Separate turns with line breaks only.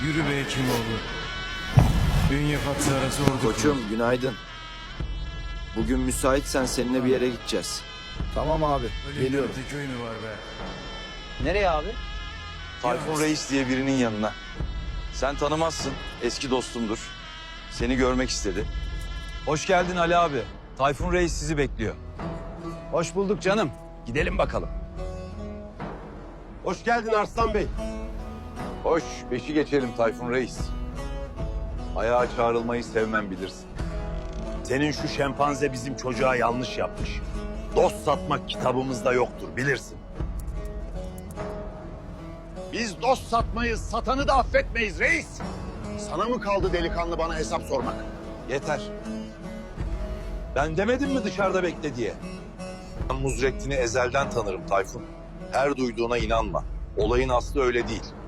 Yürü be Hekimoğlu. Bünye Fatsa arası ordu.
Koçum günaydın. Bugün müsaitsen seninle bir yere gideceğiz.
Tamam abi, geliyorum.
Öyle köy mü var be?
Nereye abi?
Tayfun Reis diye birinin yanına. Sen tanımazsın, eski dostumdur. Seni görmek istedi. Hoş geldin Ali abi. Tayfun Reis sizi bekliyor.
Hoş bulduk canım. Gidelim bakalım.
Hoş geldin Arslan Bey.
Hoş, beşi geçelim Tayfun Reis. Ayağa çağrılmayı sevmem bilirsin.
Senin şu şempanze bizim çocuğa yanlış yapmış. Dost satmak kitabımızda yoktur bilirsin. Biz dost satmayız, satanı da affetmeyiz reis. Sana mı kaldı delikanlı bana hesap sormak?
Yeter. Ben demedim mi dışarıda bekle diye? Ben Muzrettin'i ezelden tanırım Tayfun. Her duyduğuna inanma. Olayın aslı öyle değil.